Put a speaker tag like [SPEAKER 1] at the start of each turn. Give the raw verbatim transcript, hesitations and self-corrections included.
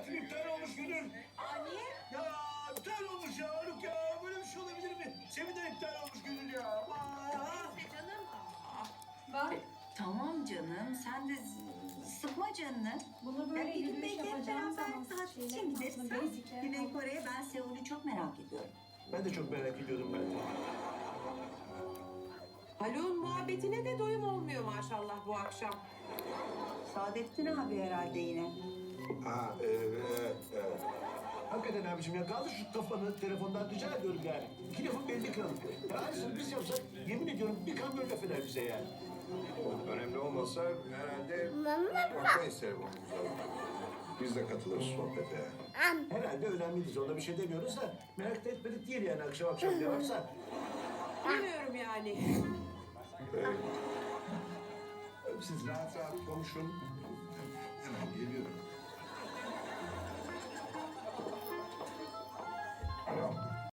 [SPEAKER 1] tatil iptal olmuş Gönül.
[SPEAKER 2] Aa niye?
[SPEAKER 1] Ya iptal olmuş ya Haluk ya. Böyle bir şey olabilir mi? Seminer iptal olmuş Gönül ya. Aman.
[SPEAKER 2] Neyse canım.
[SPEAKER 3] Bak
[SPEAKER 2] Tamam canım, sen de z- sıkma canını.
[SPEAKER 3] bunu
[SPEAKER 2] Ya
[SPEAKER 3] böyle
[SPEAKER 2] bir gün
[SPEAKER 3] yürüyüş
[SPEAKER 2] belki hep
[SPEAKER 3] yapacağım
[SPEAKER 2] beraber
[SPEAKER 3] zaman
[SPEAKER 2] tatil
[SPEAKER 3] şeyler
[SPEAKER 2] için gideriz.
[SPEAKER 3] aslında
[SPEAKER 2] ha?
[SPEAKER 3] basicler
[SPEAKER 2] Güney
[SPEAKER 3] falan.
[SPEAKER 2] Kore'ye ben Seul'ü çok merak ediyorum.
[SPEAKER 1] Ben de çok merak ediyordum ben de.
[SPEAKER 4] Haluk'un muhabbetine de doyum olmuyor maşallah bu akşam.
[SPEAKER 2] Saadettin abi herhalde yine.
[SPEAKER 1] Ha evet evet. Hakikaten abiciğim ya kaldır şu kafanı telefondan rica ediyorum yani. İki lafın belli kalın. Ya aynısını biz yapsak yemin ediyorum bir kamyon laf eder bize yani.
[SPEAKER 5] Önemli olmasa herhalde bakmayız telefonumuza. Biz de katılırız sohbete.
[SPEAKER 1] Herhalde önemlidir. Onda bir şey demiyoruz da merak da etmedik değil yani akşam akşam ne varsa.
[SPEAKER 4] Bilmiyorum yani.
[SPEAKER 5] Ee, siz rahat rahat konuşun. Hemen geliyorum.